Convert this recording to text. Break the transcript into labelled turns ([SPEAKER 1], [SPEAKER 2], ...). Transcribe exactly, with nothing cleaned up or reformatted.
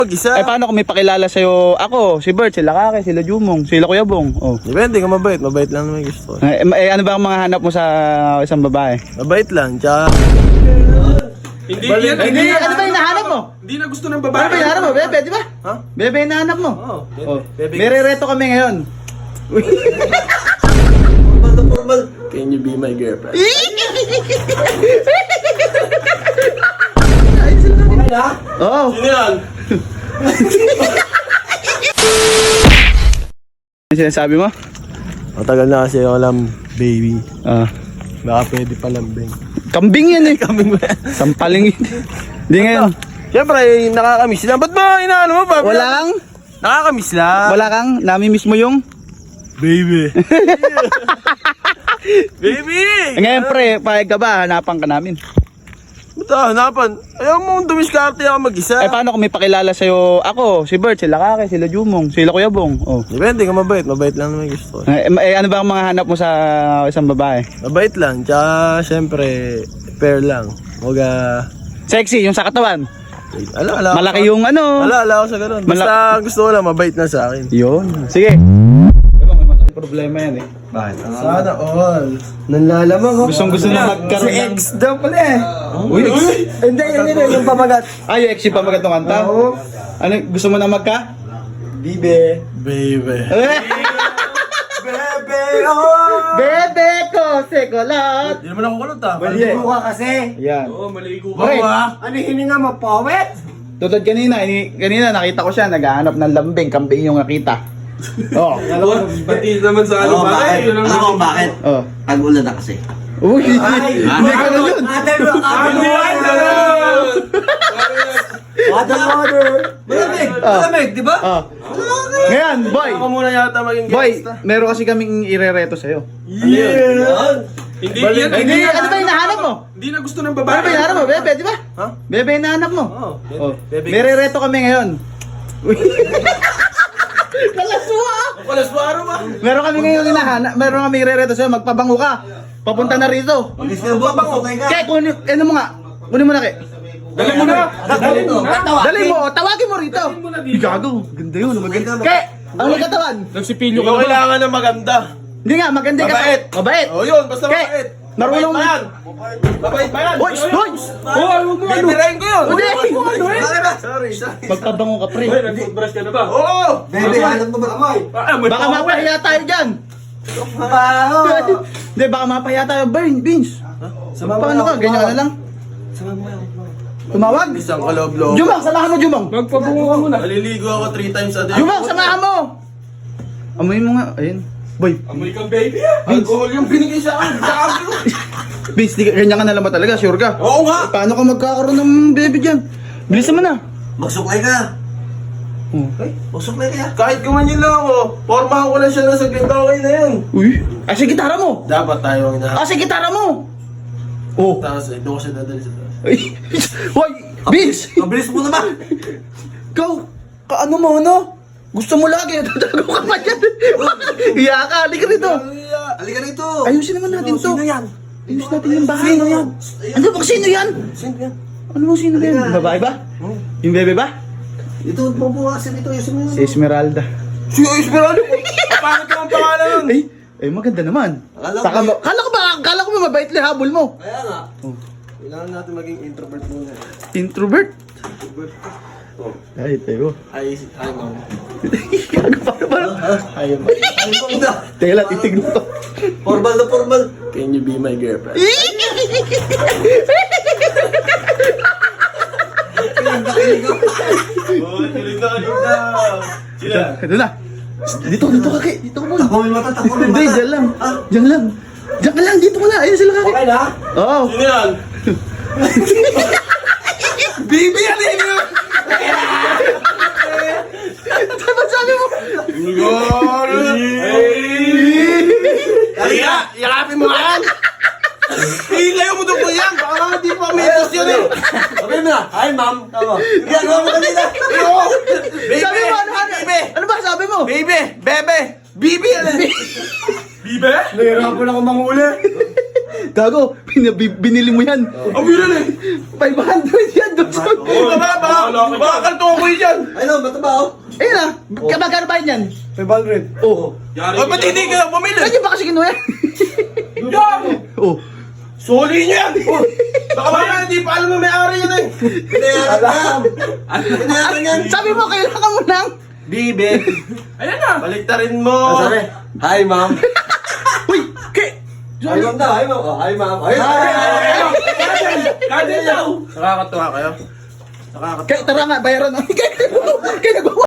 [SPEAKER 1] Mag-isa.
[SPEAKER 2] Eh paano kung may pakilala sa'yo ako, si Bert, sila Kake, sila Jumong, sila Kuya Bong? Oh.
[SPEAKER 1] Depende kung mabait. Mabait lang naman gusto.
[SPEAKER 2] Eh, eh ano ba ang mga hanap mo sa isang babae?
[SPEAKER 1] Mabait lang. Tsaka...
[SPEAKER 3] Hindi,
[SPEAKER 1] Bali-
[SPEAKER 3] yan,
[SPEAKER 2] Hindi, ano ba yung nahanap mo?
[SPEAKER 3] Hindi na gusto ng babae.
[SPEAKER 2] Ano ba yung nahanap mo? Bebe, di ba?
[SPEAKER 1] Ha?
[SPEAKER 2] Bebe yung nahanap mo.
[SPEAKER 1] Oo.
[SPEAKER 2] Oh.
[SPEAKER 1] Bebe.
[SPEAKER 2] May re-reto kami ngayon.
[SPEAKER 1] Formal na formal. Can you be my girlfriend? Okay na?
[SPEAKER 2] Oo.
[SPEAKER 1] Sino yan?
[SPEAKER 2] Ano sinasabi mo?
[SPEAKER 1] Matagal na kasi ako alam, baby.
[SPEAKER 2] Ah.
[SPEAKER 1] Baka pwede pa lambing.
[SPEAKER 2] Kambing yan eh.
[SPEAKER 1] Kambing ba yan?
[SPEAKER 2] Sampaling yun. Hindi ngayon.
[SPEAKER 1] Siyempre, nakakamiss lang. Ba't ba inaano mo pa?
[SPEAKER 2] Wala kang?
[SPEAKER 1] Nakakamiss lang.
[SPEAKER 2] Wala kang? Nami-miss mo yung?
[SPEAKER 1] Baby. Baby!
[SPEAKER 2] Eh, ngayon pre, pahig ka ba? Hanapan ka namin.
[SPEAKER 1] Ba't ah, hanapan? Ayaw mo dumiskarte ako mag-isa.
[SPEAKER 2] Eh paano kung may pakilala sa'yo ako, si Bert, sila Kake, sila Jumong, sila Kuya Bong? Oh.
[SPEAKER 1] Depende kung mabait. Mabait lang naman gusto.
[SPEAKER 2] Eh, eh ano ba ang mga hanap mo sa isang babae?
[SPEAKER 1] Mabait lang. Tsaka, siyempre, fair lang. Huwag ah...
[SPEAKER 2] Sexy, yung sa katawan.
[SPEAKER 1] Ala, ala.
[SPEAKER 2] Malaki yung ano.
[SPEAKER 1] Ala, ala ako sa ganun. Basta gusto ko lang, mabait na sa akin.
[SPEAKER 2] Yun. Sige. Problema yan eh. Bakit?
[SPEAKER 1] Sana all. Nanlalamang ako.
[SPEAKER 2] Gustong gusto na magkaroon
[SPEAKER 1] Si
[SPEAKER 2] ng...
[SPEAKER 1] ex daw pala eh.
[SPEAKER 2] Uy, ex.
[SPEAKER 1] Hindi, yun yun, yung pamagat.
[SPEAKER 2] Ay, yung ex yung pamagat ng kanta?
[SPEAKER 1] Oo.
[SPEAKER 2] Ano, gusto mo na magka?
[SPEAKER 1] Bibe. Baby.
[SPEAKER 2] Eh,
[SPEAKER 1] Bebe, oh!
[SPEAKER 2] Bebe ko, sekolot.
[SPEAKER 1] Hindi naman ako kulot ah.
[SPEAKER 2] Maligo
[SPEAKER 1] ka kasi.
[SPEAKER 2] Yan.
[SPEAKER 3] Oo, maligo ka.
[SPEAKER 2] Okay.
[SPEAKER 1] Ano hininga mo, powet?
[SPEAKER 2] Tutod kanina, ini, kanina nakita ko siya, naghahanap ng lambing, kambing yung nakita. Oh.
[SPEAKER 3] Oo, pati naman sa ano ba? Yun ang
[SPEAKER 4] Alam mo bakit?
[SPEAKER 2] Oh.
[SPEAKER 4] Tag-ulan na kasi.
[SPEAKER 2] Uy, hindi ka na yun.
[SPEAKER 1] Ate bro,
[SPEAKER 3] Ano yan?
[SPEAKER 1] Ate water. Malamig, malamig, di ba?
[SPEAKER 2] Oh. Ngayon, boy.
[SPEAKER 1] Ako muna yata maging
[SPEAKER 2] Boy,
[SPEAKER 1] gangsta.
[SPEAKER 2] meron kasi kaming irereto sa'yo.
[SPEAKER 1] Yeah!
[SPEAKER 3] Hindi
[SPEAKER 1] Balik-
[SPEAKER 3] yan.
[SPEAKER 2] Hindi, ano ba yung nahanap mo?
[SPEAKER 3] Hindi na gusto ng
[SPEAKER 2] Ano
[SPEAKER 3] babae.
[SPEAKER 2] ba yung nahanap mo? Bebe, di ba?
[SPEAKER 1] Ha?
[SPEAKER 2] Bebe yung nahanap mo.
[SPEAKER 1] Oo.
[SPEAKER 2] Oh.
[SPEAKER 1] Bebe.
[SPEAKER 2] May re-reto kami ngayon. Uy. Kalaswa!
[SPEAKER 1] Wala suwaro ba?
[SPEAKER 2] Meron kami ngayon hinahanap, meron kami re-reto sa'yo, magpabango ka. Papunta na rito.
[SPEAKER 4] Pagkis ka ba? Pagkutay ka.
[SPEAKER 2] Kaya, kunin, ano mo nga? Kunin mo na, Kaya.
[SPEAKER 3] Dali mo na. Dali mo na.
[SPEAKER 2] Dali mo, tawagin mo rito.
[SPEAKER 3] mo na dito.
[SPEAKER 2] Gago, ganda yun. Maganda. Kaya, ang nagkatawan.
[SPEAKER 3] Nagsipilyo
[SPEAKER 1] Hindi
[SPEAKER 3] ka
[SPEAKER 1] ko
[SPEAKER 3] ba?
[SPEAKER 1] kailangan na maganda.
[SPEAKER 2] Hindi nga, maganda yung
[SPEAKER 1] Mabait.
[SPEAKER 2] katawan. Mabait.
[SPEAKER 1] Oh, yun, basta
[SPEAKER 2] Kaya,
[SPEAKER 1] mabait.
[SPEAKER 2] marunong-
[SPEAKER 1] Mabait pa yan. Mabait pa yan.
[SPEAKER 2] Hoy, hoy!
[SPEAKER 3] Oo, ano mo ano?
[SPEAKER 1] Bibirahin ko yun.
[SPEAKER 2] Hindi.
[SPEAKER 1] Sorry, sorry.
[SPEAKER 2] Magpabango ka, pre.
[SPEAKER 3] Hoy, nag-toothbrush ka na ba?
[SPEAKER 1] Oo!
[SPEAKER 4] Bebe, hanap mo ba amoy?
[SPEAKER 3] Ah, may
[SPEAKER 2] Baka
[SPEAKER 3] pako eh.
[SPEAKER 2] mapahiya tayo dyan.
[SPEAKER 4] Baho!
[SPEAKER 2] Hindi, baka mapahiya tayo. Burn, Beans. Paano ka? Ganyan ka na lang. Tumawag?
[SPEAKER 1] Isang kaloob-loob.
[SPEAKER 2] Jumang, samahan mo, Jumang.
[SPEAKER 3] Magpabungo ka muna.
[SPEAKER 1] Naliligo ako three times a day.
[SPEAKER 2] Jumang, samahan mo. Amoy mo nga. Ayun. Boy,
[SPEAKER 3] Amoy kang baby ah.
[SPEAKER 1] Alcohol yung binigay sa akin. Sa akin.
[SPEAKER 2] Beans, di ka, ganyan ka na lang ba talaga? Sure ka?
[SPEAKER 1] Oo nga.
[SPEAKER 2] Paano ka magkakaroon ng baby dyan? Bilisan mo na.
[SPEAKER 4] Magsuklay ka.
[SPEAKER 2] Oh.
[SPEAKER 4] Ay, magsuklay ka.
[SPEAKER 1] Kahit gumanyan lang ako, pormahan ko lang siya na saglit, okay na yun.
[SPEAKER 2] Uy. Ay, sa gitara mo.
[SPEAKER 1] Dapat tayo ang
[SPEAKER 2] Ah,
[SPEAKER 1] inahanap.
[SPEAKER 2] sa gitara mo. Oh.
[SPEAKER 1] Tapos, eh, doon ko siya dadali sa taas.
[SPEAKER 2] Ay. Hoy, Beans.
[SPEAKER 4] Mabilis mo naman.
[SPEAKER 2] Ikaw, kaano mo, ano? Gusto mo lagi, tatago ka pa dyan. Iya ka, halika rito.
[SPEAKER 4] Halika rito.
[SPEAKER 2] Ayusin naman natin to.
[SPEAKER 4] Sino yan?
[SPEAKER 2] Ayusin natin yung bahay. Sino yan? Ano bang sino yan?
[SPEAKER 4] Sino yan?
[SPEAKER 2] Ano bang sino yan? Yung babae ba? Yung bebe ba?
[SPEAKER 4] Ito, mabukasin ito. Ayusin mo
[SPEAKER 2] Si
[SPEAKER 4] yan.
[SPEAKER 2] Esmeralda.
[SPEAKER 1] Si Esmeralda po. Paano ka ang pangalan nun?
[SPEAKER 2] Ay, ay maganda naman.
[SPEAKER 4] Akala ko-
[SPEAKER 2] Saka mo, kala ko ba, kala ko ba mabait lang habol mo?
[SPEAKER 4] Kaya nga.
[SPEAKER 1] Kailangan natin maging introvert muna.
[SPEAKER 2] Introvert? Ay, tayo.
[SPEAKER 1] Ay, ay, ma'am.
[SPEAKER 2] Gago pa naman.
[SPEAKER 1] Ay, ma'am.
[SPEAKER 4] Ay, mo na.
[SPEAKER 2] Teka lang, titignan ko.
[SPEAKER 4] Formal na formal.
[SPEAKER 1] Can you be my girlfriend?
[SPEAKER 4] Kilig na kilig ako.
[SPEAKER 1] Oo, kilig na, kilig na. Sila.
[SPEAKER 2] Ito na. Dito, dito ka, Kay. Dito ka muna.
[SPEAKER 4] Tako may mata, tako may
[SPEAKER 2] Hindi,
[SPEAKER 4] mata.
[SPEAKER 2] dyan lang.
[SPEAKER 4] Ah,
[SPEAKER 2] Dyan lang. Dyan ka lang, dito ka na. Ayun sila ka.
[SPEAKER 4] okay na?
[SPEAKER 2] Oo.
[SPEAKER 1] Sino yan?
[SPEAKER 2] Baby, ano yun? Dapat sabi mo.
[SPEAKER 1] Kaya, yakapin mo yan! Hilayo mo doon po yan! Baka nga di pa may post yan eh!
[SPEAKER 4] Sabi mo na. Hi, ma'am. Tama. Ginagawa mo kanina.
[SPEAKER 1] Oo! Baby!
[SPEAKER 2] Sabi mo, ano, ano?
[SPEAKER 1] Baby!
[SPEAKER 2] Ano ba sabi mo?
[SPEAKER 1] Baby! Bebe! Bibi! Ano?
[SPEAKER 3] Bibe?
[SPEAKER 4] Nahirapan ako manghuli.
[SPEAKER 2] Gago, binabi- binili mo yan.
[SPEAKER 1] Ang bilan eh.
[SPEAKER 2] five hundred yan, Dodson.
[SPEAKER 1] Oo, baka, baka, baka kanto ako yan.
[SPEAKER 4] Ay no, mataba oh.
[SPEAKER 2] Ayun na, kamagkano ba yan?
[SPEAKER 4] five hundred.
[SPEAKER 2] Oh.
[SPEAKER 1] Ay, ba't hindi ka lang bumili?
[SPEAKER 2] Saan niyo ba kasi kinuha yan?
[SPEAKER 1] Yan!
[SPEAKER 2] Oh.
[SPEAKER 1] Suli niyo yan! Baka baka hindi pa alam na may-ari yan eh.
[SPEAKER 4] Pinayaran yan. Pinayaran yan.
[SPEAKER 2] Sabi mo, kailangan mo ng...
[SPEAKER 4] Bibe.
[SPEAKER 3] Ayan na.
[SPEAKER 1] Baliktarin mo.
[SPEAKER 4] Ah, sabi, hi ma'am.
[SPEAKER 2] Uy, kay...
[SPEAKER 4] Hi ma'am daw, hi ma'am. Oh, hi ma'am. Hi,
[SPEAKER 3] Kadel daw.
[SPEAKER 1] Nakakatawa kayo. Nakakatawa.
[SPEAKER 2] Kay, tara nga, bayaran na. Kay, kay, nagawa